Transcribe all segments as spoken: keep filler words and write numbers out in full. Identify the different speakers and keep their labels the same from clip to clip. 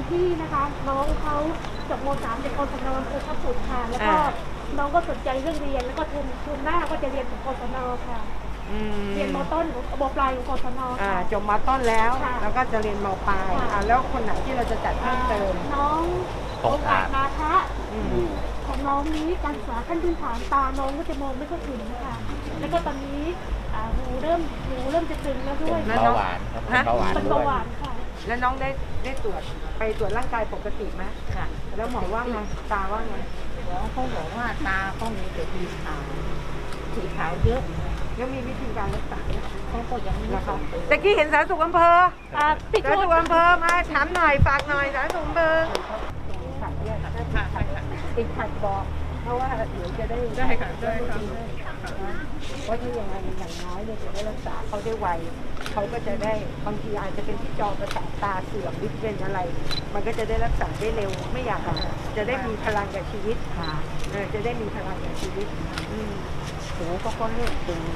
Speaker 1: ที่นะคะน้องเขาจบม .สาม จากกศน.อำเภอทับปุดค่ะแล้วก็น้องก็สนใจเรื่องเรียนแล้วก็ทุนทุนหน้าก็จะเรียนของกศน.ค่ะเรียนม.ต้นม.ปลายของกศน.
Speaker 2: อ่าจบม.ต้นแล้วแล้วก็จะเรียนม.ปลายอ่าแล้วคนไหนที่เราจะจัดเพิ่มเติม
Speaker 1: น้องโอกาสนาทะของน้องนี้การศึกษาขั้นพื้นฐานตาน้องก็จะมองไม่ค่อยถึงนะคะแล้วก็ตอนนี้หูเริ่มหูเริ่มจะตึงแล้วด้วย
Speaker 3: เบาหวานครับเบาหวาน
Speaker 1: เป็นเบาหวานค่ะ
Speaker 2: แล้วน้องได้ได้ตรวจไปตรวจร่างกายปกติไหมค่ะแล้วหมอว่าไงตาว่าไง
Speaker 4: หมอเขาบอกว่าตาเขามีแต่สีขาวสีขาวเยอะ
Speaker 2: แล้วมีวิธีการรักษา
Speaker 4: เขาก็ยังไม่
Speaker 2: นะคะแต่กี้เห็นสาธารณสุขอำเภอ
Speaker 1: สาธารณ
Speaker 2: สุขอำเภอมาถามหน่อยฝากหน่อยสาธารณสุขอำเภอติดขัดบอกเพราะว่าเดี๋ยวจะได้
Speaker 3: ได้ค่ะได้ค่ะ
Speaker 2: ว่าถ้าอย่างไรอย่างน้อยเนี่ยจะได้รักษาเขาได้ไวเขาก็จะได้บางทีอาจจะเป็นที่จอประสาทตาเสื่อมหรือเป็นอะไรมันก็จะได้รักษาได้เร็วไม่อยากจะได้มีพลังกับชีวิตค่ะจะได้มีพลังกับชีวิต
Speaker 4: หูก็ก็เลือกดึง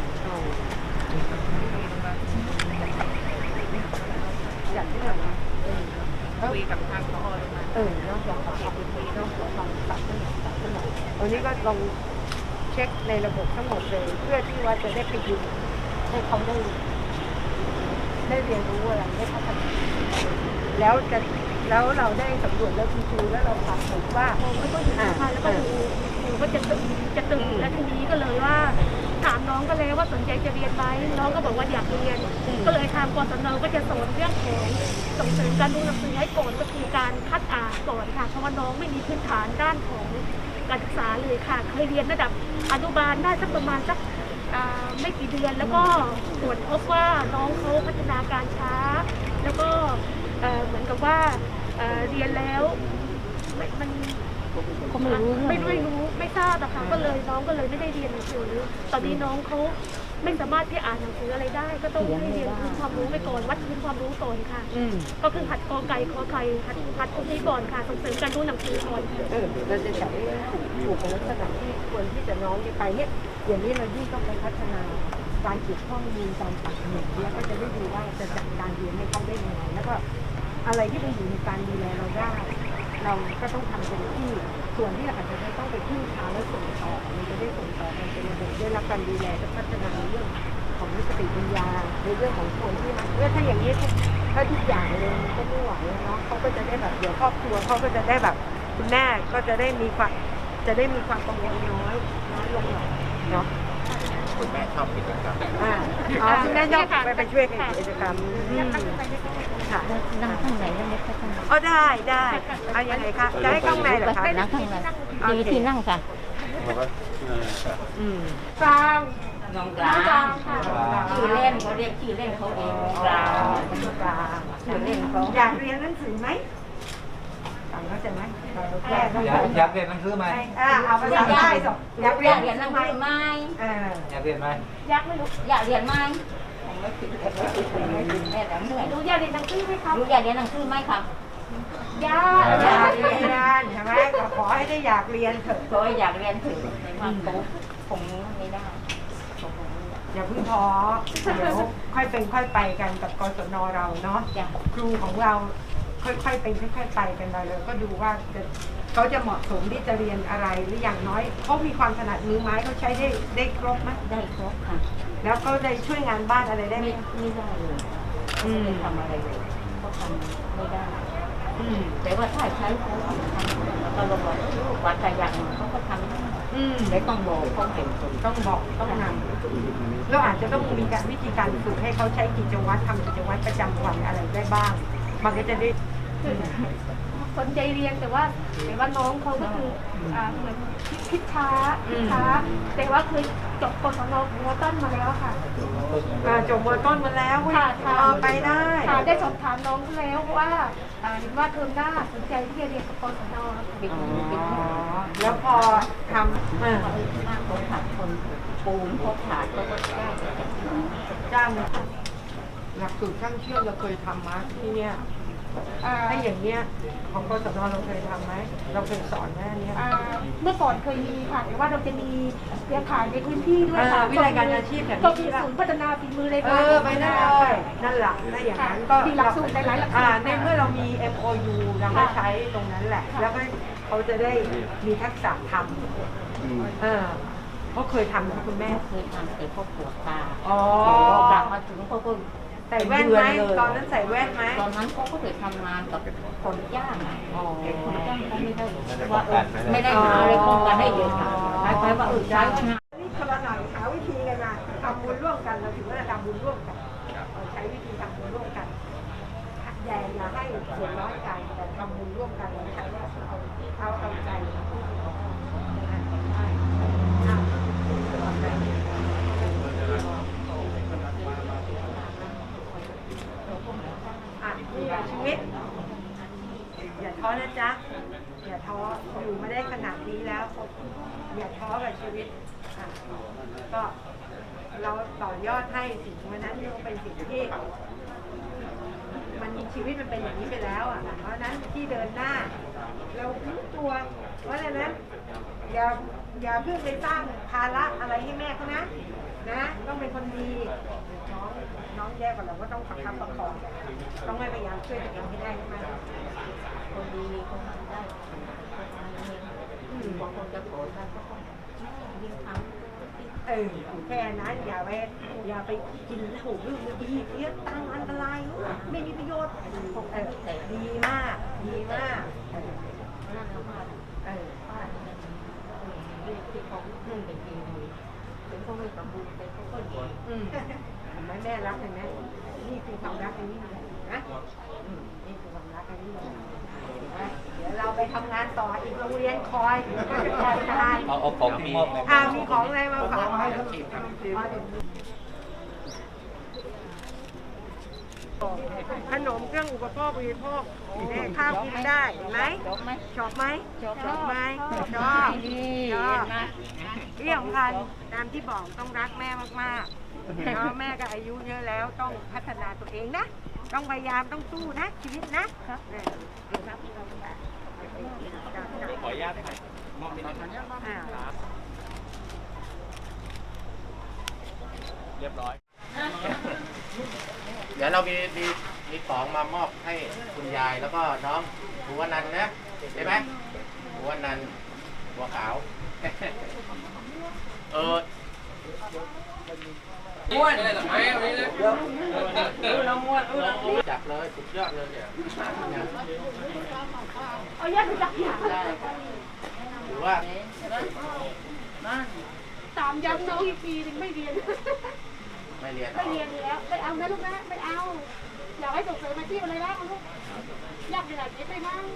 Speaker 2: อยากที่ไหน
Speaker 3: คุยกับทางพอ
Speaker 2: เออนอกจากขอขอบคุณนอกจากฟังตัดขึ้นหน่อยตัดขึ้นหน่อยวันนี้ก็ลองเช็คในระบบทั้งหมดเลยเพื่อที่ว่าจะได้ไปดูให้เขาได้ได้เรียนรู้อะไรได้พัฒนาแล้วจะแล้วเราได้สำรวจแล้วคุณครูแล้วเราถามผมว่า
Speaker 1: ไม่ก็อยู่นะคะแล้วก็อยู่อยู่ก็จะตึงจะตึงและทีนี้ก็เลยว่าถามน้องก็เลยว่าสนใจจะเรียนไหมน้องก็บอกว่าอยากเรียนก็เลยทางกศน.ก็จะสอนเรื่องของส่งเสริมการดูหนังสือให้ก่อนก็คือการคัดอ่านก่อนค่ะเพราะว่าน้องไม่มีพื้นฐานด้านของการศึกษาเลยค่ะเคยเรียนระดับอนุบาลได้สักประมาณสักไม่กี่เดือนแล้วก็ตรวจพบว่าน้องเขาพัฒนาการช้าแล้วก็เหมือนกับว่าเรียนแล้วมัน
Speaker 4: ก็ไม่รู้
Speaker 1: ไม่ไม่รู้ไม่ทราบนะคะก็เลยน้องก็เลยไม่ได้เรียนหนังสือตอนนี้น้องเขาไม่สามารถที่อ่านหนังสืออะไรได้ก็ต้องให้เรียนพื้นความรู้ไปก่อนวัดพื้นความรู้ก่อนค่ะก็คือหัดกอไก่ขอไข่หัดหัดตรงนี้ก่อนค่ะส่งเสริมการรู้หนังสือก่อน
Speaker 2: เออเราจะจัดให้ถูกในลักษณะที่ควรที่จะน้องที่ไปเนี่ยอย่างนี้เรายิ่งต้องไปพัฒนาการเก็บข้อมูลการปักหมุดแล้วก็จะได้ดูว่าจะจัดการเรียนให้เขาได้ยังไงแล้วก็อะไรที่มันอยู่ในการดูแลเราได้เราก็ต้องทำเต็มที่ส่วนที่อาจจะต้องไปพึ่งพาและส่งต่อมันจะได้ส่งต่อกันเป็นระบบได้รับการดูแลและพัฒนาในเรื่องของสติปัญญาในเรื่องของคนที่มันเมื่อถ้าอย่างนี้ถ้าทุกอย่างเลยมันก็ไม่ไหวเนาะเขาก็จะได้แบบเดี๋ยวครอบครัวเขาก็จะได้แบบคุณแม่ก็จะได้มีความจะได้มีความกังวลน้อยน้อยลงหน่อยเนาะ
Speaker 3: คุณแม่ชอบกิจกรรม
Speaker 2: อ่าอ๋อคุณแม่ชอบไปไปช่วยกิจกรรมค่ะ
Speaker 4: นั่งข้างไหนนั่งเล็กข้างไหน
Speaker 2: อ๋อได้ได้เอายังไงคะจะให้ข้างในเหรอคะ
Speaker 4: นั่งข้างในดีที่นั่งค่ะ
Speaker 2: อืม
Speaker 1: กลาง
Speaker 4: น้องกลางชื่อเล่นเขาเรียกชื่อเล่นเขาเองกลางกลางชื่อเล่นเขา
Speaker 2: อยากเรียนหนังสือไหมฟังเข้าใจไหม
Speaker 3: อยากเรียนหนังสือไหม
Speaker 2: อ่าเอาภาษาใต้สอง
Speaker 4: อยากเรียนหนังสือไหม
Speaker 3: อยากเรียนไหม
Speaker 1: อยากไม่รู้
Speaker 4: อยากเรียนไหมไม่ติดไม่ติดไม่ติดแม่แต่เหนื่อย
Speaker 1: รู้อยากเรียนหนังสือไหมครับ
Speaker 4: รู้อยากเรียนหนังสือไหมครับ
Speaker 1: อยาก
Speaker 2: อยากเรียนใช่ไหมขอให้ได้อยากเรียนเถอะ
Speaker 4: ขอให้อยากเรียนถึงในความโตคงไม่ได้
Speaker 2: อย่าเพิ่งท้อเดี๋ยวค่อยเป็นค่อยไปกันกับกศน.เราเนาะครูของเราค่อยๆเป็นค่อยๆไปกันไปเลยก็ดูว่าจะเขาจะเหมาะสมที่จะเรียนอะไรหรืออย่างน้อยเขามีความถนัดมือไม้เขาใช้ได้ได้ครบไหม
Speaker 4: ได้ครบค่ะ
Speaker 2: แล้วเขาได้ช่วยงานบ้านอะไรได้ไหม
Speaker 4: ไม่ได้เลยไม่ทำอะไรเลยเขาทำไม่ได้แต่ว่าถ้าใช้เขาทำเราบอกว่าแต่อย่างเขาก็ทำแต่ต้องบอกต้องเห็น
Speaker 2: ต้องบอกต้องนำแล้วอาจจะต้องมีการวิธีการฝึกให้เขาใช้กิจวัตรทำกิจวัตรประจำวันอะไรได้บ้างมันก็จะได้
Speaker 1: สนใจเรียนแต่ว่าแต่ว่าน้องเขาก็คือเหมือนคิดช้าคิดช้าแต่ว่าเคยจบกศน.ม.ต้นมาแล้วค่ะ
Speaker 2: จบม.ต้นมาแล้วไปได้
Speaker 1: ได้สอบถามน้องแล้วว่าเห็นว่าเทอมหน้าสนใจที่จะเรียนกับกศน.
Speaker 2: แล้วพอทำ
Speaker 4: เออคนขาดคนปูนพอขาดก็จ้าง
Speaker 2: จ้างหลักสูตรช่างเชื่อมเราเคยทำมาที่เนี่ย
Speaker 1: อ่า
Speaker 2: ถ้าอย่างเนี้ยของกศนเราเคยทำไหมเราเคยสอนไหมอันเนี้ย
Speaker 1: อ่าเมื่อก่อนเคยมีค่ะแต่ว่าเราจะมีเครือข่ายในพื้นที่ด้วยค่ะ
Speaker 2: อ่าวิทยาการอาชีพแบบนี้
Speaker 1: ก็มีศูนย์พัฒนาฝีมือใน
Speaker 2: เอ
Speaker 1: การ
Speaker 2: อไปได้เลยนั่นแหละถ้าอย่างนั้นก็
Speaker 1: มีหลักสูตรหลายๆหลักสูตร
Speaker 2: อ่าในเมื่อเรามี เอ็ม โอ ยู เราก็ใช้ตรงนั้นแหละ แล้วก็เขาจะได้มีทักษะทำเออเขาเคยทำนะคุณแม่
Speaker 4: เคยทำแต่พวกปวดตา
Speaker 2: อ๋อ
Speaker 4: กลับมาถึงเขาก็
Speaker 2: ใส่แว่นไหมตอนนั้นใส่แว่นไหม
Speaker 4: ตอนนั้นเขาก็เคยทำงานกับคนย่างอ่ะ
Speaker 2: อ๋อ
Speaker 4: แต่คนย่างเขาไม่ได้ว่าเออไม่ได้หาอะไรป้องกันให้เด็กค่ะคล้ายๆว่าเออใช้ว่านะ
Speaker 2: นี่คนละหน่อยหาวิธีกันมาทำบุญร่วมกันเราถือว่าทำบุญร่วมกันเราใช้วิธีทำบุญร่วมกันอย่าอย่าให้ส่วนน้อยใจแต่ทำบุญร่วมกันเราใช้ว่าเอาเอาเอาใจอ่ะนี่แหละชีวิต อย่าท้อนะจ๊ะ อย่าท้ออยู่มาได้ขนาดนี้แล้ว อย่าท้อกับชีวิตอ่ะก็เราต่อยอดให้สิ่งวันนั้นเป็นสิ่งที่มันมีชีวิตมันเป็นอย่างนี้ไปแล้วอ่ะเพราะฉะนั้นที่เดินหน้า เรารู้ตัว เพราะฉะนั้นอย่าอย่าเพิ่งไปสร้างภาระอะไรให้แม่เขานะนะต้องเป็นคนดีน้องน้องแย่กว่าเราก็ต้องประคับประคองต้องให้พยายามช่วยตัวเองให้ได้ใช่ไหม
Speaker 4: คนดีคนทำได้อืมบางคนจะโกรธกันก็ต้องยิ่งทำ
Speaker 2: เออแค่นั้นอย่าไปอย่าไปกินถูกเรื่องดีเสียตังค์อันตรายไม่มีประโยชน์เออแต่ดีมากดีมากเออ
Speaker 4: นั่นแล้วมา
Speaker 2: เออ
Speaker 4: ป้าเนี่ยเรื่องที่เขาขึ้นเป็นดีถึงเขาไม่สมบูรณ์แต่เขาก็ดี
Speaker 2: อืมทำไมแม่รักเห็นไหมนี่คือความรักอันนี้เลยนะอืมนี่คือความรักอันนี้เลยนะเดี๋ยวเราไปทำงานต่ออีกโรงเรียนคอยก็จะคอยทาน
Speaker 3: เอาเอาของที่มอบ
Speaker 2: อ่ามีของอะไรมาฝากให้ขนมเครื่องอุปโภคบริโภคเนี่ยข้าวกินได้เห็นไหม
Speaker 4: จบไหม
Speaker 2: ชอบไหม
Speaker 4: ชอบ
Speaker 2: ชอบไหมชอบ
Speaker 4: นี่
Speaker 2: ชอ
Speaker 4: เห็
Speaker 2: บ
Speaker 4: นไหม
Speaker 2: ที่สำคัญตามที่บอกต้องรักแม่มากๆเพราะแม่ก็อายุเยอะแล้วต้องพัฒนาตัวเองนะ ต้องพยายามต้องสู้นะ ชีวิตนะเนี่ย
Speaker 3: ขออนุญาตได้ไหมมอบที่นี่
Speaker 2: อ่า
Speaker 3: เรียบร้อย
Speaker 5: เดี๋ยวเรามีมีมีของมามอบให้คุณยายแล้วก็น้องภูวนันท์นะใช่ไหมภูวนันท์บัวขาว เออม้วนเราม้วนจับเลยสุดยอดเลยเนี่ย
Speaker 1: เอาแยกไปจักอย่าง
Speaker 5: ถือว่า
Speaker 4: นั่น
Speaker 1: ตามย้ำน้องอีกปีหนึงไม่เรียน
Speaker 5: ไม่เรียน
Speaker 1: ไม่เรียนแล้วไม่เอานะลูกนะไม่เอา อยากให้ส่งเสริมอาชีพอะไรนะลูกอยากขนาดนี้ไปมั้ง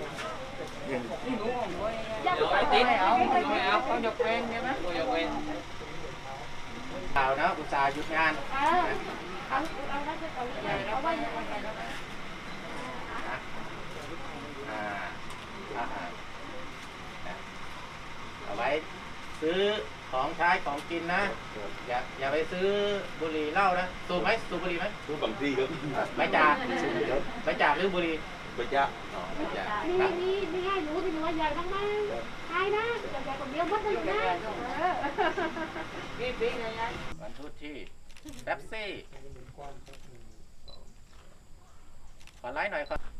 Speaker 1: อยากไป
Speaker 4: ไม่
Speaker 1: ไหน
Speaker 4: เอา
Speaker 1: ไม่
Speaker 4: ไม่
Speaker 1: ไป
Speaker 4: เอาเขายกเว้นใช่ไหม
Speaker 3: ยกเว้น
Speaker 5: ข่าวนะอุตส่าห์หยุดงาน
Speaker 1: เออเอาเอาแล้วจะเอาเลยเอาไว้ยังไงแล้วนะ
Speaker 5: อ่าอ่าเอาไว้ซื้อของใช้ของกินนะ อย่าอย่าไปซื้อบุหรี่เหล้านะสูบไหมสูบบุหรี่ไหม
Speaker 6: รู้บางที่ครับ
Speaker 5: ไม่จากไม่จากหรือบุหรี่
Speaker 6: ไม่ยาก
Speaker 5: อ๋อไม่จาก
Speaker 1: มีมีมีให้หนูที่หนูใหญ่มากมั้งใช่นะใหญ่คนเดียวมัดเลยนะเออ
Speaker 4: ปีปีไงยาย
Speaker 5: วันทุกที่แป๊บซี่ขอไลค์หน่อยครับ